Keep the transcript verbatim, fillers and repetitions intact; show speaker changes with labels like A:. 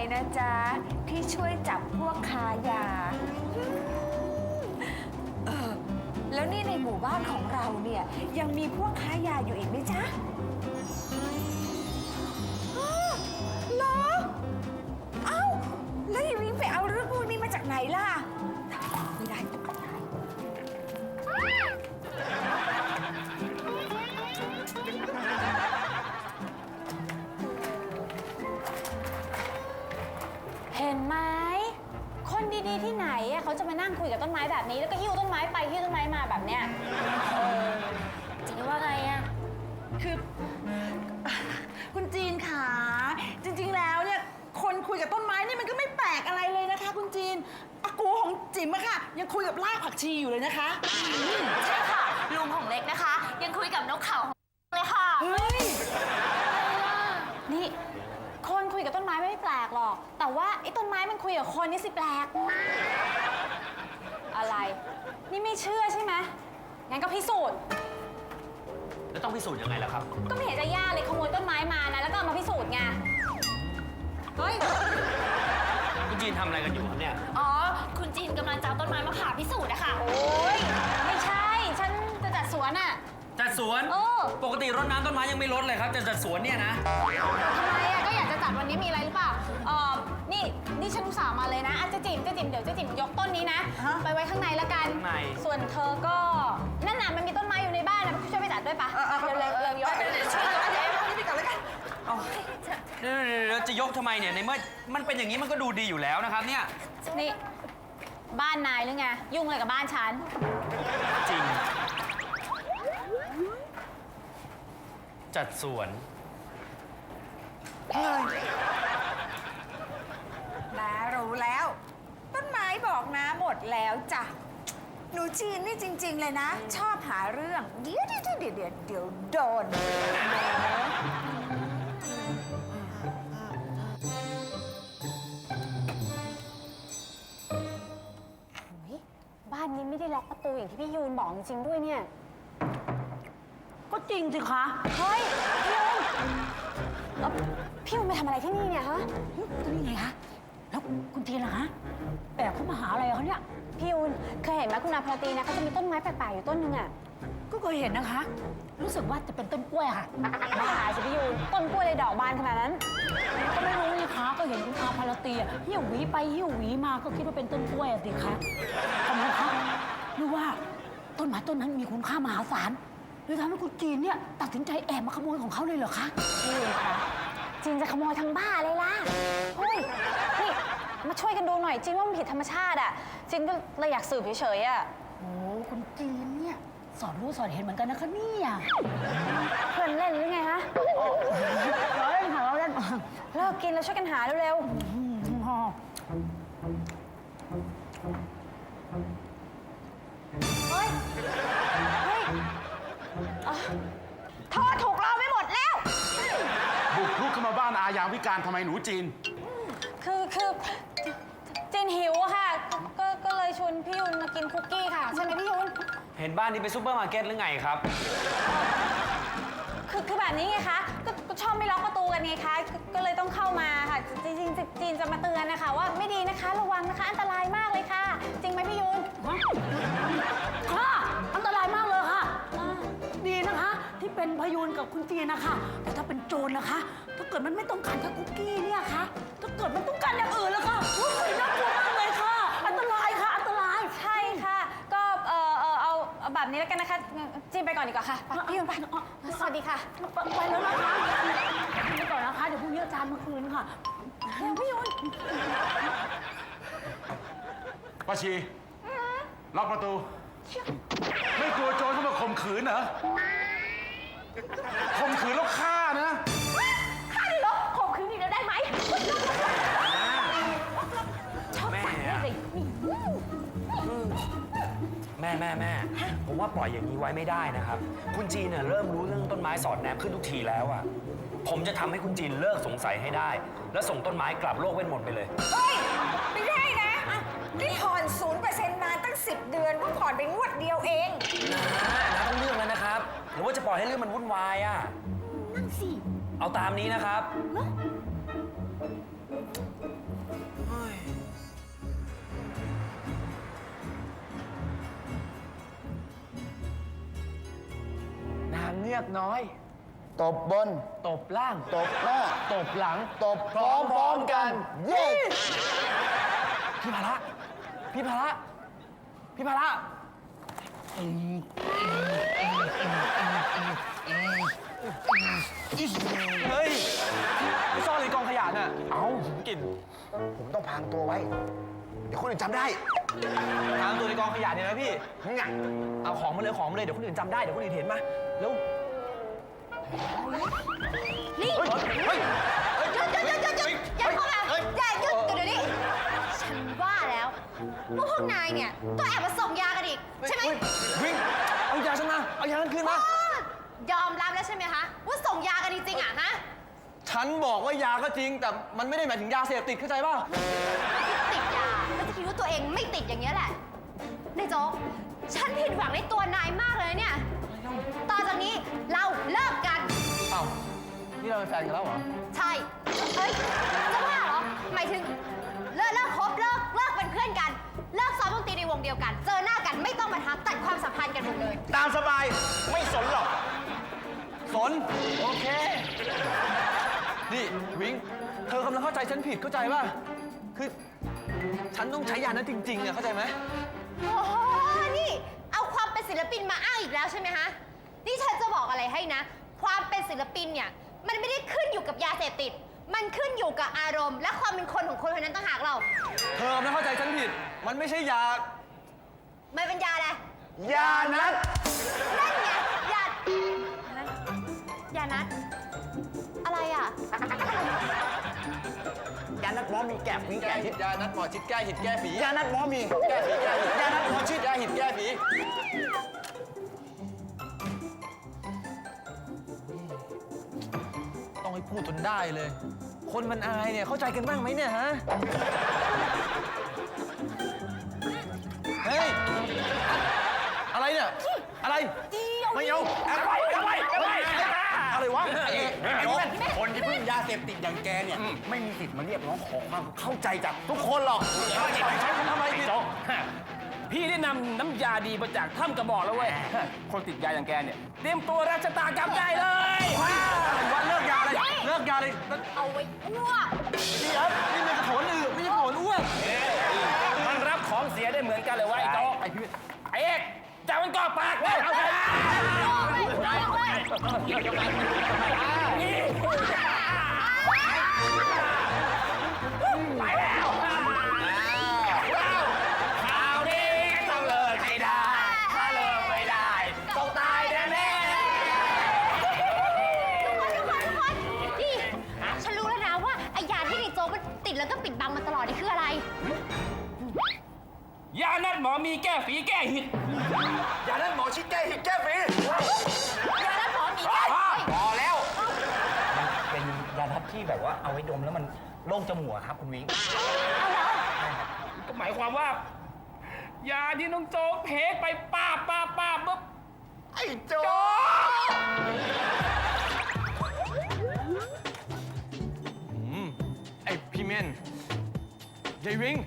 A: เลยนะจ๊ะที่ช่วยจับพวกค้ายาเออแล้วนี่ในหมู่บ้านของเราเนี่ยยังมีพวกค้ายาอยู่อีกไหมจ๊ะเหรอเอ้าแล้วยายวิ่งไปเอาเรื่องพวกนี้มาจากไหนล่ะไม่ได้
B: เห็นไหมคนดีๆที่ไหนอะเขาจะมานั่งคุยกับต้นไม้แบบนี้แล้วก็หิ้วต้นไม้ไปหิ้วต้นไม้มาแบบเนี้ยเออจีนว่าไงอะ
C: คือคุณจีนขาจริงๆแล้วเนี่ยคนคุยกับต้นไม้นี่มันก็ไม่แปลกอะไรเลยนะคะคุณจีนอากูของจิ๋มอะค่ะยังคุยกับรากผักชีอยู่เลยนะคะ
B: ใช่ค่ะลุงของเล็กนะคะยังคุยกับนกเขาเลยค่ะ
C: เฮ้ย
B: นี่คนคุยกับต้นไม้ไม่แปลกหรอกแต่ว่าไอ้ต้นไม้มันคุยกับคนนี่สิแปลกอะไรนี่ไม่เชื่อใช่ไหมงั้นก็พิสูจน์
D: แล้วต้องพิสูจน์ยังไงล่ะครับ
B: ก็ไม่เห็นจะยากเลยขโมยต้นไม้มานะแล้วก็เอามาพิสูจน์ไงเฮ้ย
D: คุณจีนทำอะไรกันอยู่ครับเนี่ย
B: อ๋อคุณจีนกำลังจะเอาต้นไม้มาผ่าพิสูจน์อะค่ะโอ้ยไม่ใช่ฉันจะจัดสวนอะ
D: จัดสวน
B: เออ
D: ปกติรดน้ำต้นไม้ยังไม่รดเลยครับจะจัดสวนเนี่ยนะ
B: ทำไมอะก็อยากจะจัดวันนี้มีอะไรหรือเปล่าเออนี่นี่ฉันอุตส่าห์มาเลยนะอาจจะจิ๋มจะจิ๋มเดี๋ยวจะจิ๋มยกต้นนี้นะไปไว้ข้างในละกันส่วนเธอก็นั่นน่ะมันมีต้นไม้อยู่ในบ้านนะช่วยไปจัดด้วยปะเร็วเร็วเร็วยก
C: ช่วยเดี๋ยวพวกนี้ไปก่อนแล้วกัน
D: เดี๋ยวจะยกทำไมเนี่ยในเมื่อมันเป็นอย่างนี้มันก็ดูดีอยู่แล้วนะครับเนี่ย
B: นี่บ้านนายหรือไงยุ่งอะไรกับบ้านฉัน
D: จริงจัดสวน
A: น้ารู้แล้วต้นไม้บอกน้าหมดแล้วจ้ะหนูจีนนี่จริงๆเลยนะชอบหาเรื่องเดี๋ยวเดี๋ยวเดี๋ยวเดี๋ยวเดี๋ยวโดน
B: บ้านนี้ไม่ได้ล็อกประตูอย่างที่พี่ยูนบอกจริงๆด้วยเนี่ย
C: ก็จริงสิคะ
B: เฮ้ยพี่ยูนพี่ยูนไปทำอะไรที่นี่เนี่ยฮะ
C: ก็นี่ไงคะแล้วคุณจีนล่ะฮะแอบเข้ามาหาอะไรเขาเนี่ย
B: พี่ยูนเคยเห็นไหมคุณอาพลตีนะเขาจะมีต้นไม้แปลกๆอยู่ต้นนึงอ่ะ
C: ก็เคยเห็นนะคะรู้สึกว่าจะเป็นต้นกล้วยค่ะ
B: บ้าสิพี่ยูนต้นกล้วยเลยดอกบานขนาดนั้น
C: ก็ไม่รู้นี่คะก็เห็นคุณอาพลตีอ่ะหิ้วหวีไปหิ้วหวีมาก็คิดว่าเป็นต้นกล้วยสิคะทำไมคะหรือว่าต้นไม้ต้นนั้นมีคุณค่ามหาศาลเลยทำให้คุณจีนเนี่ยตัดสินใจแอบมาขโมยของเขาเลยเหรอคะ
B: พี่ยูนคะจีนจะขโมยทั้งบ้าเลยล่ะเฮ้ยนี่มาช่วยกันดูหน่อยจีนว่ามันผิดธรรมชาติอ่ะจีนก็เลยอยากสืบเฉยๆอ่ะ
C: โอ้คุณจีนเนี่ยสอนรู้สอนเห็นเหมือนกันนะคะเนี่ย
B: เพื่อนเล่นหรือไงฮะ
C: เราเล่นค่ะเราเล่น
B: เลิกกินแล้วช่วยกันหาเร็ว
C: ๆ
B: เฮ้ยเฮ้ยโทษถูกเราไม่หมดแล้ว
E: บุกรุกเข้ามาบ้านอายามวิการทำไมหนูจีน
B: คือคือจีนหิวอะค่ะก็ก็เลยชวนพี่ยุนมากินคุกกี้ค่ะใช่ไหมพี่ยุน
D: เห็นบ้านนี้เป็นซูเปอร์มาร์เก็ตหรือไงครับ
B: คือคือแบบนี้ไงคะก็ก็ชอบไม่ล็อกประตูกันไงคะก็เลยต้องเข้ามาค่ะจริงจริงจีนจะมาเตือนนะคะว่าไม่ดีนะคะระวังนะคะอันตรายมากเลยค่ะจริงไหมพี่ยุน
C: ค่ะอันตรายมากเลยค่ะดีนะคะที่เป็นพยูนกับคุณจีนนะคะแต่ถ้าเป็นโจรนะคะถ้าเกิดมันไม่ต้องการแค่คุกกี้เนี่ยค่ะถ้าเกิดมันต้องการอย่างอื่นแล้วค่ะโอ้ยน่ากลัวมากเลยค่ะอันตรายค่ะอันตราย
B: ใช่ค่ะก็เออเออเอาแบบนี้แล้วกันนะคะจีนไปก่อนดีกว่าค่ะพี่ยุนไปสวัสดีค่ะ
C: ไปแล้วนะคะไปก่อนนะคะเดี๋ยวพรุ่งนี้อาจารย์มาคืนค่ะ
B: เดี๋ยวพี่ยุน
E: ป้าชีล็อกประตูไม่กลัวโจรเข้ามาข่มขืนเหรอข่มขืนแล้วฆ่านะ
B: ฆ่าดิลูกข่มขืนอีกแล้วได้ไหม
D: แม่แม่แม่แม่ผมว่าปล่อยอย่างนี้ไว้ไม่ได้นะครับคุณจีนเนี่ยเริ่มรู้เรื่องต้นไม้สอดแนมขึ้นทุกทีแล้วอ่ะผมจะทำให้คุณจีนเลิกสงสัยให้ได้แล้วส่งต้นไม้กลับโลกเวทมนต์ไปเลย
A: เฮ้ยไม่ได้นะนี่ผ่อนศูนย์เปอร์เซ็นต์นานตั้งสิบเดือนเพิ่งผ่อนไปงวดเดียวเอง
D: นะต้องเลือกแล้วนะครับหรือว่าจะปล่อยให้เรื่องมันวุ่นวายอ่ะ
C: นั่นสิ
D: เอาตามนี้นะครับ
F: เงือกน้อย
G: ตบบน
F: ตบล่าง
G: ตบหน้า
F: ตบหลัง
G: ตบพร้อมๆกัน เย้
F: พี่ภาระ พี่ภาระ พี่ภาระเฮ้ยไปซ่อนในกองขยะน่ะ
G: เอา
F: กลิ่น
G: ผมต้องพรางตัวไว้ เดี๋ยวคนอื่นจำได้
F: ทางตัวในกองขยะเนี่ยนะพี่
G: งะ
F: เอาของมาเลยของมาเลย เดี๋ยวคนอื่นจำได้ เดี๋ยวคนอื่นเห็นมาเร็ว
B: นี่
G: เฮ้ย เฮ้ย
B: หยุดหยุดหยุดหยุดหยุดอย่าเข้ามาอย่าหยุดเดี๋ยวนี้ฉันว่าแล้วว่าพวกนายเนี่ยต้องแอบมาส่งยากันอีกใช่ไหม
F: วิ่ง เอายาฉันมา เอายาฉันคืนมา
B: อ๋อยอมรับแล้วใช่ไหมคะว่าส่งยากันจริงๆอ่ะฮะ
F: ฉันบอกว่ายาก็จริง แต่มันไม่ได้หมายถึงยาเสพติดเข้าใจป่ะ
B: ติดยาแล้วจะคิดว่าตัวเองไม่ติดอย่างเงี้ยแหละนายโจ๊กฉันผิดหวังในตัวนายมากเลยเนี่ยต่อจากนี้เราเลิกกัน
F: เอ้า นี่เราเป็นแฟนกันแล้วเหรอ
B: ใช่ เอ้ย จะว่าเหรอ หมายถึงเลิกเลิกคบเลิกเลิกเป็นเพื่อนกัน เลิกซ้อมดนตรีในวงเดียวกัน เจอหน้ากันไม่ต้องมาทักตัดความสัมพันธ์กันหมดเลย
F: ตามสบาย ไม่สนหรอก สน โอเค นี่วิง เธอกำลังเข้าใจฉันผิดเข้าใจป่ะ คือ ฉันต้องใช้ยานั้นจริงๆอะเข้าใจไหม
B: โอ้โห นี่ เอาความเป็นศิลปินมาอ้างอีกแล้วใช่ไหมฮะ นี่ฉันจะบอกอะไรให้นะ ความเป็นศิลปินเนี่ย มันไม่ได้ขึ้นอยู่กับยาเสพติด มันขึ้นอยู่กับอารมณ์ และความเป็นคนของคนคนนั้นต่างหากเรา
F: เธอกำลังเข้าใจฉันผิด มันไม่ใช่ยา
B: ไม่เป็นยาอะไร
G: ยานัด
B: นั่นไงยา ยานัด อะไรอ่ะ
G: ยานัดหมอมีแก้ผี
F: แก้
G: แก้
F: หิ
G: หิ
F: ด
G: ด
F: ยานัดหมอชิดแก้หิดแก้ฝี
G: ยานัดหมอมี
F: แก้ฝีแก้หิดยานัดหมอชิดแก้หิดแก้ฝีต้องให้พูดจนได้เลย คนมันอายเนี่ยเข้าใจกันบ้างไหมเนี่ยฮะ เฮ้ย อะไรเนี่ย อะไร ไม่เอาอะไรอะไรอะไรอะไรวะไอ้เอกไอ้เว้น
G: คนที่พึ่งยาเสพติดอย่างแกเนี่ย ไม่มีสิทธิ์มาเรียกร้องขอความเข้าใจจากทุกคนหรอก
F: ใช้คนทำไมผิด
H: โจ๊กพี่ได้นำน้ำยาดีมาจากถ้ำกระบอกแล้วเว้ย คนติดยาอย่างแกเนี่ย เตรียมตัวรับชะตากรรมได้เลย
F: วันเลิกยาเลยเลิกยาเลย
B: เอาไว้อ้วก
F: นี่ครับนี่มันกระโถนอืดไม่ใช่กระโถนอ้วก
H: มันรับของเสียได้เหมือนกันเลยเวะไอ้โจ๊ก
F: ไอ้พี่
H: ไอ้เอกจับมันก่อปากเลยเอาไป ไปแล้วข่าวดีต้องเลิกไม่ได้ถ้าเลิกไม่ได้ต้องตายแน่แน่
B: ทุกคนทุกคนทุกคนนี่ฉันรู้แล้วนะว่าไอ้ยาที่ในโจ๊กมันติดแล้วก็ปิดบังมาตลอดนี่คืออะไร
H: ยานัดหมอมีแก้ฝีแก้หิด
G: ยานัดหมอชิดแก้หิดแก้ฝี
B: ยาแล้วหมอมีแก้เฮ้ย
G: พอแล้ว
I: เป็นยานัดที่แบบว่าเอาไว้ดมแล้วมันโล่งจมูกอะครับคุณวิง
H: ก็หมายความว่า ยาที่น้องโจ๊กเทไปป้าบป้าบป้าบปุ๊บ
G: ไอ้โจ๊ก
F: ไอ้พี่เมนยายวิง